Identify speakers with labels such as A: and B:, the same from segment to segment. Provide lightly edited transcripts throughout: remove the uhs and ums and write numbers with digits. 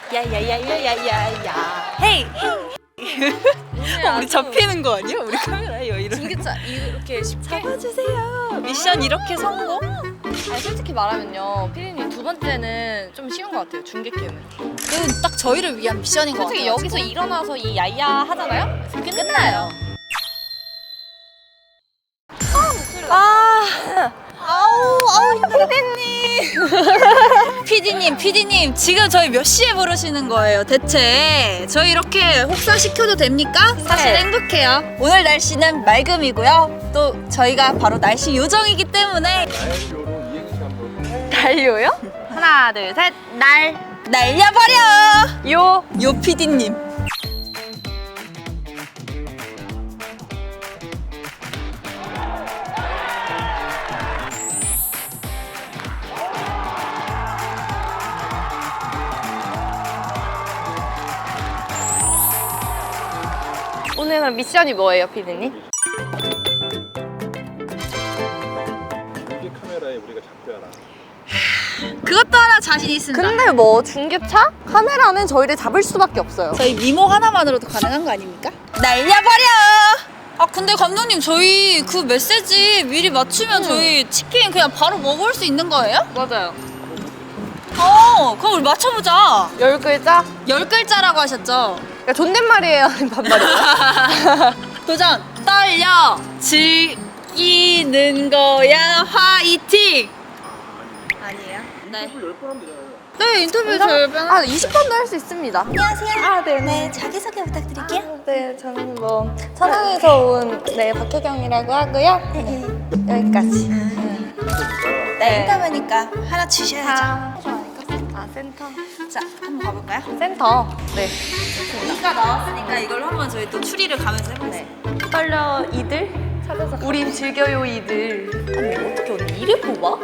A: 야야야야야야야. 헤이. 우리 잡히는 거 아니야? 우리 카메라에 이런.
B: 중계차 이렇게 쉽게
A: 잡아주세요. 미션 이렇게 성공?
B: 아니 솔직히 말하면요 피디님 두 번째는 좀 쉬운 것 같아요. 중계캠은
A: 이건 딱 저희를 위한 미션인 것 같아요.
B: 솔직히 여기서 일어나서 이 야야 하잖아요? 끝나요.
A: 아우 피디님 지금 저희 몇 시에 부르시는 거예요 대체? 저희 이렇게 혹사시켜도 됩니까? 사실
B: 네.
A: 행복해요. 오늘 날씨는 맑음이고요. 또 저희가 바로 날씨 요정이기 때문에
B: 달려요? 하나 둘 셋
A: 날려버려!
B: 요
A: 피디님.
B: 오늘 그럼 미션이 뭐예요 피디님?
C: 중계 카메라에 우리가 잡혀라.
A: 그것도 하나 자신 있습니다.
B: 근데 뭐 중계차? 카메라는 저희를 잡을 수밖에 없어요.
A: 저희 미모 하나만으로도 가능한 거 아닙니까? 날려버려! 아 근데 감독님 저희 그 메시지 미리 맞추면 저희 치킨 그냥 바로 먹을 수 있는 거예요?
B: 맞아요.
A: 그럼 우리 맞춰보자.
B: 10글자?
A: 10글자라고 하셨죠?
B: 그러니까 존댓말이에요 아니면 반말이에요?
A: 도전! 떨려! 즐기는 거야 화이팅! 아니에요? 네. 네 인터뷰 절반.
B: 20번도 할 수 있습니다.
A: 안녕하세요. 네 자기소개 부탁드릴게요.
B: 네, 저는 뭐 천안에서 온 박혜경이라고 하고요. 여기까지.
A: 네 인터뷰니까 하나 주셔야죠.
B: 센터.
A: 자 한번 가볼까요?
B: 센터. 네.
A: 이가 나왔으니까 이걸 한번 저희 또 추리를 가면서 해보세요.
B: 떨려 이들 찾아서. 우린 즐겨요 이들. 아니 어떻게 언니 이를 뽑아?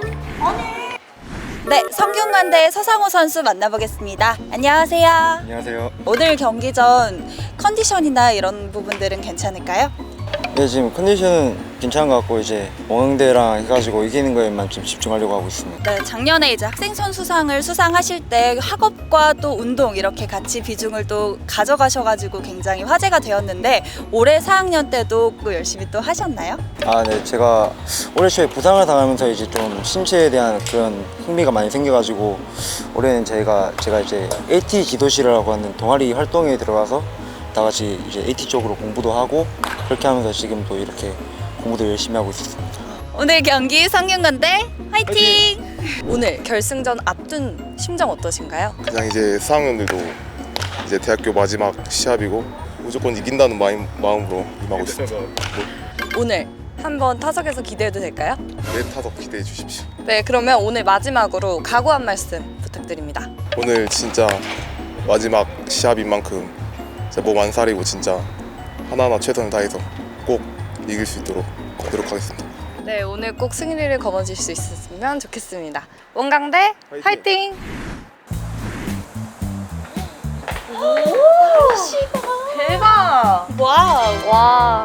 A: 네 성균관대 서상호 선수 만나보겠습니다. 안녕하세요.
D: 안녕하세요.
A: 오늘 경기 전 컨디션이나 이런 부분들은 괜찮을까요?
D: 네, 지금 컨디션은 괜찮은 것 같고 이제 원흥대랑 해가지고 이기는 거에만 좀 집중하려고 하고 있습니다.
A: 네, 작년에 이제 학생 선수상을 수상하실 때 학업과 또 운동 이렇게 같이 비중을 또 가져가셔가지고 굉장히 화제가 되었는데 올해 4학년 때도 또 열심히 또 하셨나요?
D: 아, 네, 제가 올해 초에 부상을 당하면서 이제 좀 신체에 대한 그런 흥미가 많이 생겨가지고 올해는 제가 이제 AT 지도실이라고 하는 동아리 활동에 들어가서 다 같이 이제 AT 쪽으로 공부도 하고 그렇게 하면서 지금도 이렇게 공부도 열심히 하고 있습니다.
A: 오늘 경기 성균관대 화이팅!
B: 오늘 결승전 앞둔 심정 어떠신가요?
C: 그냥 이제 4학년들도 이제 대학교 마지막 시합이고 무조건 이긴다는 마음으로 임하고 있습니다.
B: 오늘 한번 타석에서 기대해도 될까요?
C: 내 타석 기대해 주십시오.
B: 네, 그러면 오늘 마지막으로 각오 한 말씀 부탁드립니다.
C: 오늘 진짜 마지막 시합인 만큼 진짜 몸 안 사리고 진짜 하나하나 최선을 다해서 꼭 이길 수 있도록 노력하겠습니다.
B: 네, 오늘 꼭 승리를 거머쥘 수 있었으면 좋겠습니다. 원광대 화이팅! 대박!
A: 와우!
B: 와.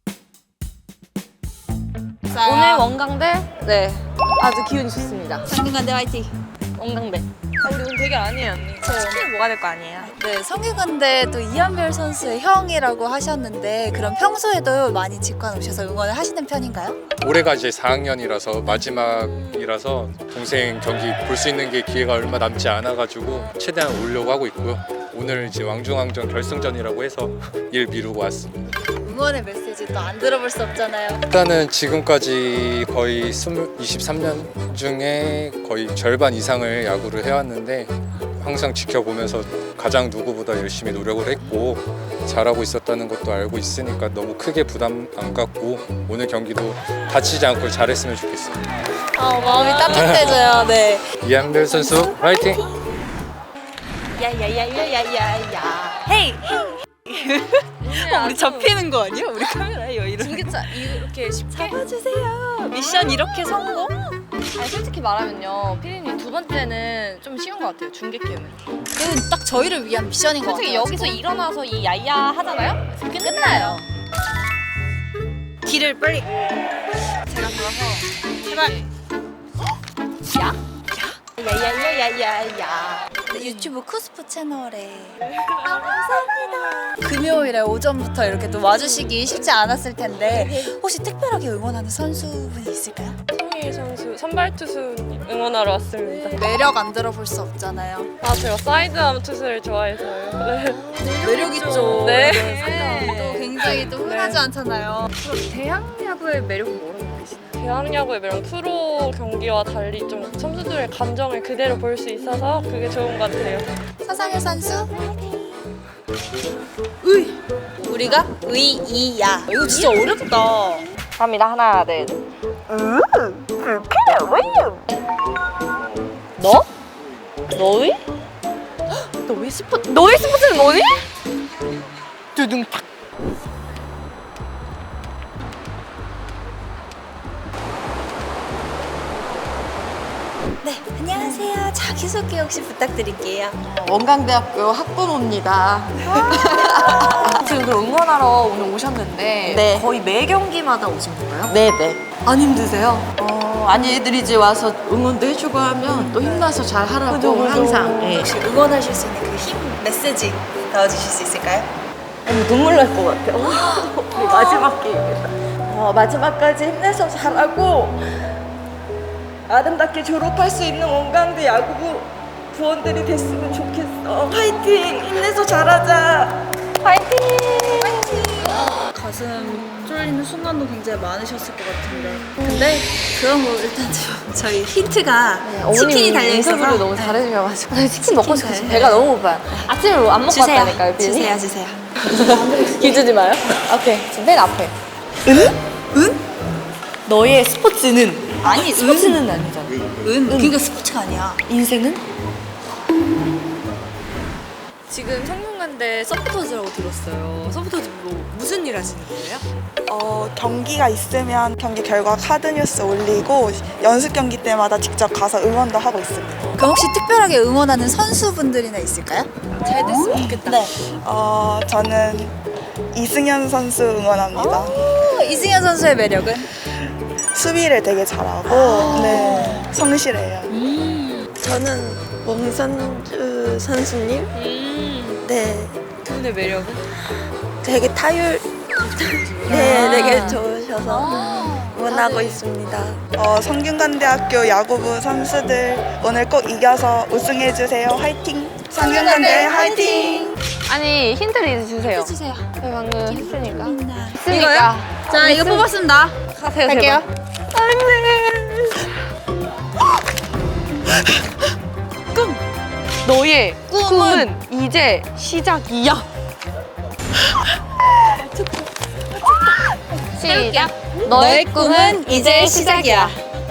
A: 자,
B: 오늘 원광대 네 아주 기운이 좋습니다.
A: 성균관대 화이팅!
B: 원광대. 우리 오늘 되게 아니에요 언니. 치킨 먹어야 될 거 아니에요?
A: 네, 성균관대 또 이한별 선수의 형이라고 하셨는데 그럼 평소에도 많이 직관 오셔서 응원을 하시는 편인가요?
E: 올해가 이제 4학년이라서 마지막이라서 동생 경기 볼 수 있는 게 기회가 얼마 남지 않아가지고 최대한 오려고 하고 있고요. 오늘 이제 왕중왕전 결승전이라고 해서 일 미루고 왔습니다.
A: 응원의 메시지 또 안 들어볼 수 없잖아요.
E: 일단은 지금까지 거의 23년 중에 거의 절반 이상을 야구를 해왔는데 항상 지켜보면서 가장 누구보다 열심히 노력을 했고 잘하고 있었다는 것도 알고 있으니까 너무 크게 부담 안 갖고 오늘 경기도 다치지 않고 잘했으면 좋겠습니다.
A: 마음이 따뜻해져요. 네.
E: 이한별 선수 화이팅!
A: 야야야야야야야. 헤이. 우리 잡히는 거 아니야? 우리 카메라에 이런.
B: 중계차 이렇게 쉽게.
A: 잡아주세요. 미션 이렇게 성공?
B: 아니 솔직히 말하면요 피디님 두 번째는 좀 쉬운 것 같아요. 중계캠은
A: 이건 딱 저희를 위한 미션인 것
B: 솔직히
A: 같아요.
B: 여기서 일어나서 이 야야 하잖아요? 끝나요.
A: 길을 빨리. 제가 들어서 제발. 야? 야야야야야야. 유튜브 쿠스프 채널에 감사합니다. 금요일에 오전부터 이렇게 또 와주시기 쉽지 않았을 텐데 혹시 특별하게 응원하는 선수분이 있을까요?
F: 송희 선수 선발 투수 응원하러 왔습니다.
A: 매력 안 들어볼 수 없잖아요.
F: 아 제가 사이드암 투수를 좋아해서요. 네.
A: 매력 있죠.
F: 네.
A: 또 굉장히 또 흔하지 않잖아요.
B: 대학야구의 매력은 뭐라고 보시나요?
F: 대학야구의 매력 프로 경기와 달리 좀 선수들의 감정을 그대로 볼 수 있어서 그게 좋은 것 같아요.
A: 서상현 선수. 우리가 의이야. 이거 진짜 어렵다.
B: 갑니다. 하나, 둘.
F: 너? 너희?
B: 너의 스포츠는 뭐니?
A: 네, 안녕하세요. 자기소개 혹시 부탁드릴게요.
B: 원광대학교 학부모입니다. 지금 그 응원하러 오늘 오셨는데
G: 네.
B: 거의 매 경기마다 오신 건가요?
G: 네네.
B: 안 힘드세요?
G: 아니 애들이 이제 와서 응원도 해주고 하면 또 힘나서 잘 하라고 항상. 예.
A: 혹시 응원하실 수 있는 그 힘 메시지 넣어주실 수 있을까요?
G: 눈물 날 것 같아요. 우리 마지막 게임이다. 마지막까지 힘내서 잘하고 아름답게 졸업할 수 있는 원광대 야구부 부원들이 됐으면 좋겠어. 파이팅! 힘내서 잘하자.
A: 가슴 쫄리는 순간도 굉장히 많으셨을 것 같은데 근데 그런 거 일단 좀 저희 힌트가 치킨이 달려있어서
B: 인터뷰를 너무 잘해주셔가지고 치킨 먹고 싶어서
A: 잘-
B: 배가 너무 고파요. 아침에 안 먹고
A: 주세요.
B: 왔다니까요, 비니.
A: 주세요.
B: 기주지 마요. 오케이, 지금 맨 앞에.
G: 너의 스포츠는
A: 아니
G: 스포츠는 아니잖아.
A: 그러니까 스포츠가 아니야.
G: 인생은?
B: 지금 성균관대 서포터즈라고 들었어요. 서포터즈로 무슨 일 하시는 거예요?
H: 경기가 있으면 경기 결과 카드 뉴스 올리고 연습 경기 때마다 직접 가서 응원도 하고 있습니다.
A: 그럼 혹시 특별하게 응원하는 선수분들이나 있을까요?
B: 잘 됐으면 좋겠다.
A: 네.
H: 저는 이승현 선수 응원합니다.
A: 이승현 선수의 매력은?
H: 수비를 되게 잘하고 네, 성실해요.
G: 저는 원선주 선수님. 네.
B: 그분의 매력은?
G: 되게 타율. 네, 되게 좋으셔서 응원하고 있습니다.
H: 성균관대학교 야구부 선수들 오늘 꼭 이겨서 우승해주세요. 화이팅! 성균관대 화이팅!
B: 아니, 힌트를 주세요.
A: 해주세요.
B: 저희 방금 했으니까.
A: 이거요? 자, 이거 뽑았습니다.
B: 가세요,
A: 갈게요.
B: 너의 꿈은 이제 시작이야. 시작.
A: 너의 꿈은 이제 시작이야.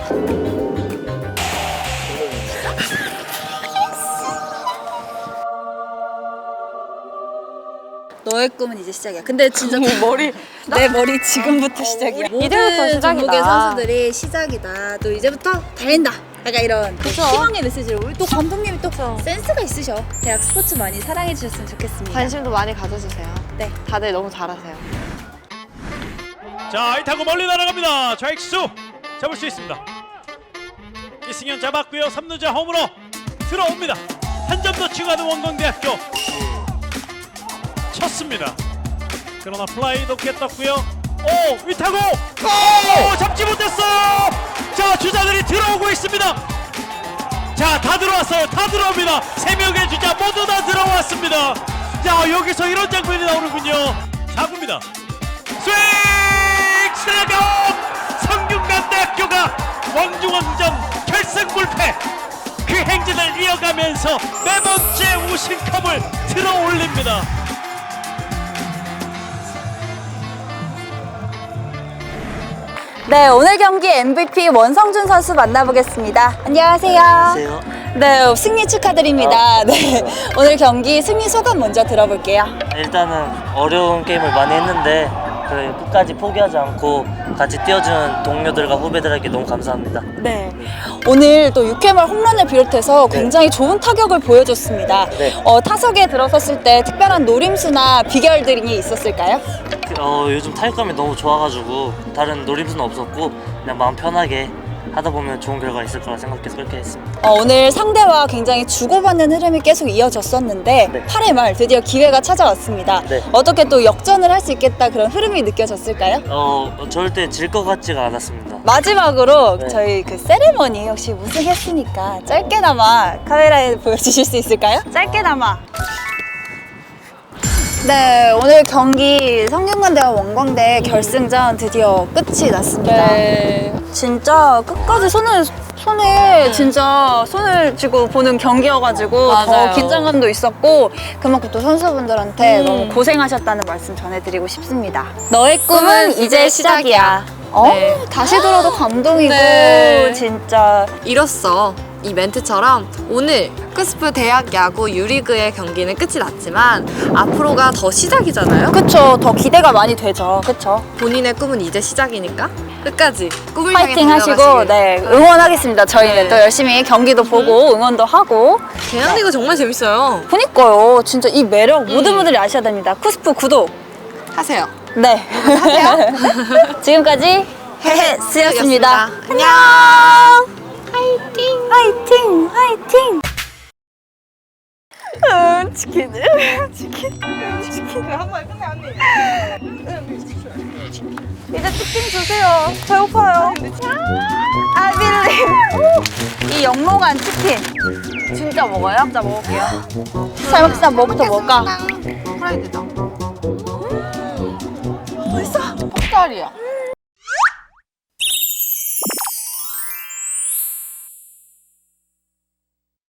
A: 너의 꿈은 이제 시작이야. 근데 진짜
B: 머리.
A: 내 머리 지금부터 시작이야.
B: 이제부터
A: 모든
B: 시작이다.
A: 전국의 선수들이 시작이다. 또 이제부터 달린다. 약간 이런 그 희망의 메시지를 우리 또 감독님이 또 센스가 있으셔. 대학 스포츠 많이 사랑해 주셨으면 좋겠습니다.
B: 관심도 많이 가져주세요.
A: 네.
B: 다들 너무 잘하세요.
I: 자, 이 타고 멀리 날아갑니다. 좌익수 잡을 수 있습니다. 이승현 잡았고요. 3루자 홈으로 들어옵니다. 한 점 더 추가하는 원광대학교 쳤습니다. 그러나 플라이 높게 떴고요. 오, 이 타고 오, 잡지 못했어요. 자, 주자들이 들어오고 있습니다. 자, 다 들어왔어요. 다 들어옵니다. 3명의 주자 모두 다 들어왔습니다. 자, 여기서 이런 장면이 나오는군요. 4구입니다. 스윙! 스트라이크아웃! 성균관대학교가 왕중왕전 결승 불패 그 행진을 이어가면서 네 번째 우승컵을 들어올립니다.
A: 네, 오늘 경기 MVP 원성준 선수 만나보겠습니다. 안녕하세요.
D: 안녕하세요.
A: 네, 승리 축하드립니다. 네, 오늘 경기 승리 소감 먼저 들어볼게요.
J: 일단은 어려운 게임을 많이 했는데 끝까지 포기하지 않고 같이 뛰어주는 동료들과 후배들에게 너무 감사합니다.
A: 네, 오늘 또 6회말 홈런을 비롯해서 굉장히 좋은 타격을 보여줬습니다.
J: 네.
A: 타석에 들어섰을 때 특별한 노림수나 비결들이 있었을까요?
J: 요즘 타격감이 너무 좋아가지고 다른 노림수는 없었고 그냥 마음 편하게 하다 보면 좋은 결과가 있을 거라 생각해서 그렇게 했습니다.
A: 오늘 상대와 굉장히 주고받는 흐름이 계속 이어졌었는데
J: 네.
A: 8회 말 드디어 기회가 찾아왔습니다.
J: 네.
A: 어떻게 또 역전을 할 수 있겠다 그런 흐름이 느껴졌을까요?
J: 절대 질 것 같지가 않았습니다.
A: 마지막으로
J: 네.
A: 저희 그 세레머니 혹시 우승했으니까 짧게나마 카메라에 보여주실 수 있을까요? 짧게나마. 네, 오늘 경기 성균관대와 원광대 결승전 드디어 끝이 났습니다.
F: 네.
A: 진짜 끝까지 손에 진짜 손을 쥐고 보는 경기여가지고
B: 맞아요.
A: 더 긴장감도 있었고 그만큼 또 선수분들한테 너무 고생하셨다는 말씀 전해드리고 싶습니다. 너의 꿈은 이제 시작이야.
B: 네.
A: 다시 들어도 감동이고
B: 네.
A: 진짜
B: 이로써 이 멘트처럼 오늘 쿠스프 대학 야구 유리그의 경기는 끝이 났지만 앞으로가 더 시작이잖아요.
A: 그쵸, 더 기대가 많이 되죠. 그쵸.
B: 본인의 꿈은 이제 시작이니까 끝까지 꿈을 향해
A: 파이팅 하시고
B: 달려가시길.
A: 네 응원하겠습니다. 저희는
B: 네.
A: 또 열심히 경기도 보고 응원도 하고.
B: 대한리그 정말 재밌어요.
A: 그니까요. 진짜 이 매력 모든 분들이 아셔야 됩니다. 쿠스프 구독.
B: 하세요.
A: 네. 지금까지 헤헤스였습니다.
B: 안녕.
A: 화이팅! 화이팅! 화이팅! 치킨. 한번 끝내 언니. 이제 치킨 주세요. 배고파요. 아빌리. 이 영롱한 치킨.
B: 진짜 먹어요?
A: 진짜 먹을게요. 잘 먹자. 뭐부터 먹을까?
B: 프라이드다.
A: 맛있어.
B: 퍽살이야.